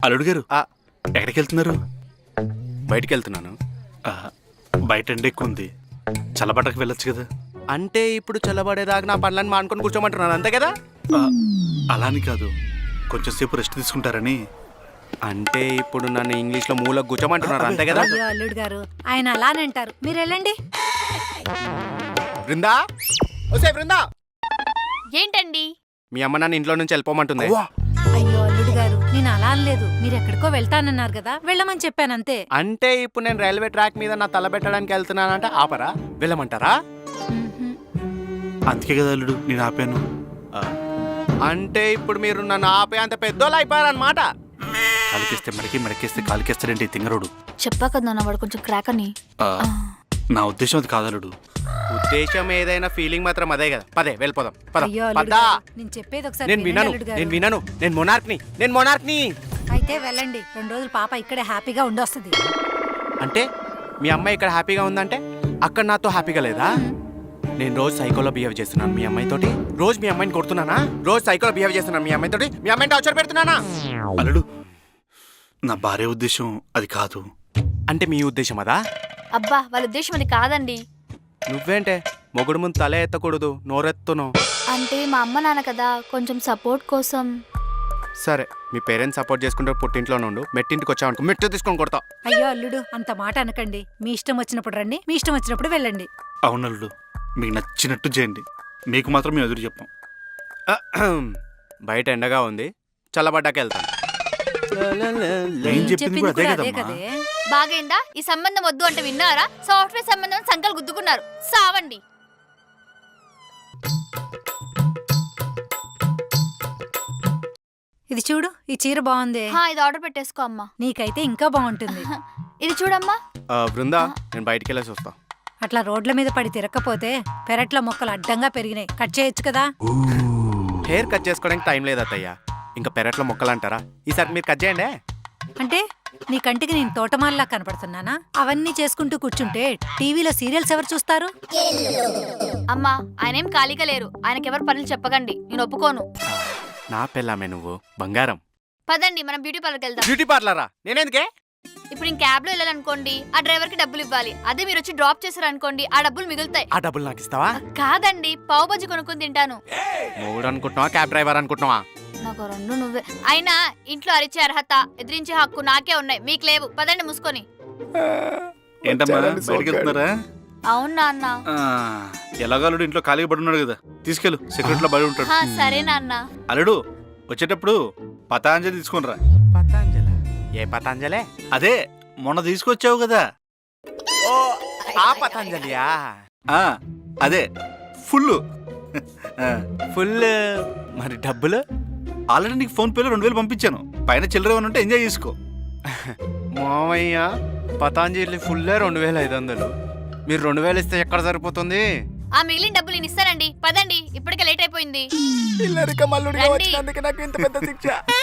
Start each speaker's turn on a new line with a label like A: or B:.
A: అల్లుడు గారు ఎక్కడికి వెళ్తున్నారు?
B: బయటికి వెళ్తున్నాను.
A: బయట ఎండ ఎక్కువ ఉంది, చల్లబట్టకు వెళ్ళొచ్చు కదా.
B: అంటే ఇప్పుడు చల్లబడేదాకా నా పనులను మానుకొని కూర్చోమంటున్నాను, అంతే కదా?
A: అలాని కాదు, కొంచెం సేపు రెస్ట్ తీసుకుంటారని.
B: అంటే ఇప్పుడు నన్ను ఇంగ్లీష్లో మూలకు కూర్చోమంటున్నారు, అంతే కదా?
C: అయ్యో అల్లుడు గారు, ఆయన అలానే అంటారు, మీరు వెళ్ళండి.
B: బృందా, ఓసే బృందా,
D: ఏంటండి?
B: మీ అమ్మ నన్ను ఇంట్లో నుంచి వెళ్ళిపోమంటుంది.
C: అయ్యో అల్లుడు గారు, నేను అలా అనలేదు, మీరు ఎక్కడికో వెళ్తానన్నారు కదా, వెళ్ళమని చెప్పాను అంతే.
B: అంటే ఇప్పుడు నేను రైల్వే ట్రాక్ మీద నా తల పెట్టడానికి వెళ్తున్నానంటే ఆపరా? వెళ్ళమంటారా?
A: అందుకే కదా అల్లుడు నేను ఆపాను.
B: అంటే ఇప్పుడు మీరు నన్ను ఆపే అంత పెద్దోళ్ళు అయిపోయారనమాట.
A: కాలికేస్తే మడికి, మడికేస్తే కాలికేస్తాడంటే తింగరోడు.
D: చెప్పా కదా వాడు కొంచెం క్రాక్ అని.
A: నా ఉద్దేశం అది కాదలుడు.
B: ఉద్దేశం ఏదైనా ఫీలింగ్ మాత్రం అదే కదా. పదే వెళ్ళిపోదాం.
C: అయ్యో అల్లుడు
B: పదా.
C: గారు, నేను చెప్పేది ఒకసారి
B: నేను
C: వినండి
B: వినను,
C: అల్లుడు గారు.
B: నేను వినను. నేను మొనార్క్ని.
C: అయితే వెళ్ళండి, 2 రోజులు పాప ఇక్కడే హ్యాపీగా ఉండొస్తుంది.
B: అంటే మీ అమ్మాయి ఇక్కడ హ్యాపీగా ఉందంటే అక్కడ నాతో హ్యాపీగా లేదా? నేను రోజు సైకోలో బిహేవ్ చేస్తున్నాను మీ అమ్మాయితోటి. రోజు మీ అమ్మాయిని కొడుతున్నానా? రోజు సైకోలో బిహేవ్ చేస్తున్నాను మీ అమ్మాయితోటి. మీ అమ్మాయిని టార్చర్ పెడుతున్నానా?
A: అల్లుడు, నా భార్య ఉద్దేశం అది కాదు.
B: అంటే మీ ఉద్దేశం అదా?
D: అబ్బా, వాళ్ళ ఉద్దేశం అది కాదండి.
B: నువ్వేంటే మొగుడు ముందు తల ఎత్తకూడదు, నోరెత్తును.
D: అంటే మా అమ్మ నాన్న కదా, కొంచెం సపోర్ట్ కోసం.
B: సరే, మీ పేరెంట్స్ సపోర్ట్ చేసుకుంటే పుట్టింట్లో నుండు, మెట్టింటికి వచ్చావనుకో మెట్టు తీసుకొని కొడతా.
C: అయ్యో అల్లుడు, అంత మాట అనకండి. మీ ఇష్టం వచ్చినప్పుడు రండి, మీ ఇష్టం వచ్చినప్పుడు వెళ్ళండి.
A: అవునల్లుడు, మీకు నచ్చినట్టు చేయండి, మీకు మాత్రం మేము ఎదురు చెప్పాం.
B: బయట ఎండగా ఉంది, చల్లబడ్డాక వెళ్తాను.
A: నేను చెప్పింది కూడా అదే
C: అదే
A: కదమ్మా.
C: కదే.
D: బాగైందా? ఈ సంబంధం వద్దు అంటే విన్నారా? సాఫ్ట్వేర్ సంబంధం సంకలు గుద్దుకున్నారు. సావండి.
C: ఇది చూడు, ఈ చీర బాగుంది.
D: ఇది ఆర్డర్ పెట్టేసుకో అమ్మా.
C: నీకైతే ఇంకా బాగుంటుంది.
D: ఇది చూడమ్మా.
B: బృందా, నేను బయటికి వెళ్ళేసి వస్తా.
C: అట్లా రోడ్ల మీద పడి తిరగకపోతే పెరట్లో మొక్కలు అడ్డంగా పెరిగినాయి, కట్ చేయొచ్చు కదా.
B: హెయిర్ కట్ చేసుకోవడానికి టైం లేదు అత్తయ్య. ఇంకా పెరట్లో మొక్కలు అంటారా? ఈసారి మీరు కట్ చేయండి.
C: అంటే నీ కంటికి నేను తోటమాల్లా కనపడుతున్నానా? అవన్నీ చేసుకుంటూ కూర్చుంటే టీవీలో సీరియల్స్ ఎవరు చూస్తారు?
D: అమ్మా, ఆయన ఏం ఖాళీగా లేరు. ఆయనకెవరు పనులు చెప్పకండి, నేను ఒప్పుకోను.
B: నా పెళ్ళామే నువ్వు, బంగారం.
D: పదండి, మనం బ్యూటీ పార్లర్కి వెళ్దాం.
B: బ్యూటీ పార్లరా? నేనేందుకే?
D: ఇప్పుడు నేను క్యాబ్ లో వెళ్ళాలనుకోండి, ఆ డ్రైవర్ కి డబ్బులు ఇవ్వాలి. అదే మీరు వచ్చి డ్రాప్ చేశారనుకోండి, ఆ డబ్బులు మిగులుతాయి.
B: ఆ డబ్బులు నాకు ఇస్తావా?
D: కాదండి, పావు బజ్జి కొనుక్కొని తింటాను.
B: మూడు అనుకుంటున్నావా, క్యాబ్ డ్రైవర్ అనుకుంటున్నావా?
D: నాకు రెండు నువ్వే. అయినా ఇంట్లో అరిచే అర్హత, ఎదిరించే హక్కు నాకే ఉన్నాయి, మీకు లేవు. పదండి మూసుకొని.
A: ఏంటమ్మా బయటికి వెళ్తున్నారా?
D: అవునా అన్న?
A: ఎలాగో అల్లుడు ఇంట్లో ఖాళీగా పడి ఉన్నాడు కదా, తీసుకెళ్ళు, సెక్యూరిటీలో బడి ఉంటాడు.
D: సరే నాన్న.
A: అల్లుడు వచ్చేటప్పుడు పతాంజలి తీసుకునిరా.
B: పతాంజలి? ఏ పతాంజలే?
A: అదే మొన్న తీసుకొచ్చావు కదా.
B: ఓ, ఆ పతాంజలియా?
A: అదే ఫుల్.
B: ఫుల్. మరి డబ్బులు?
A: ఆల్రెడీ నీకు ఫోన్ పేలో 2000 పంపించాను. పైన చిల్లర ఏమైనా ఉంటే ఎంజాయ్ చేసుకో.
B: మామయ్య, పతాంజలి ఫుల్ 2500. మీరు 2000 ఇస్తే ఎక్కడ సరిపోతుంది?
D: ఆ మిగిలిన డబ్బులు నేను ఇస్తానండి. పదండి, ఇప్పటికే లేట్ అయిపోయింది.
B: ఇల్లరిక మల్లుడిగా
D: రండి.
B: వచ్చినందుకు నాకు ఇంత పెద్ద శిక్ష.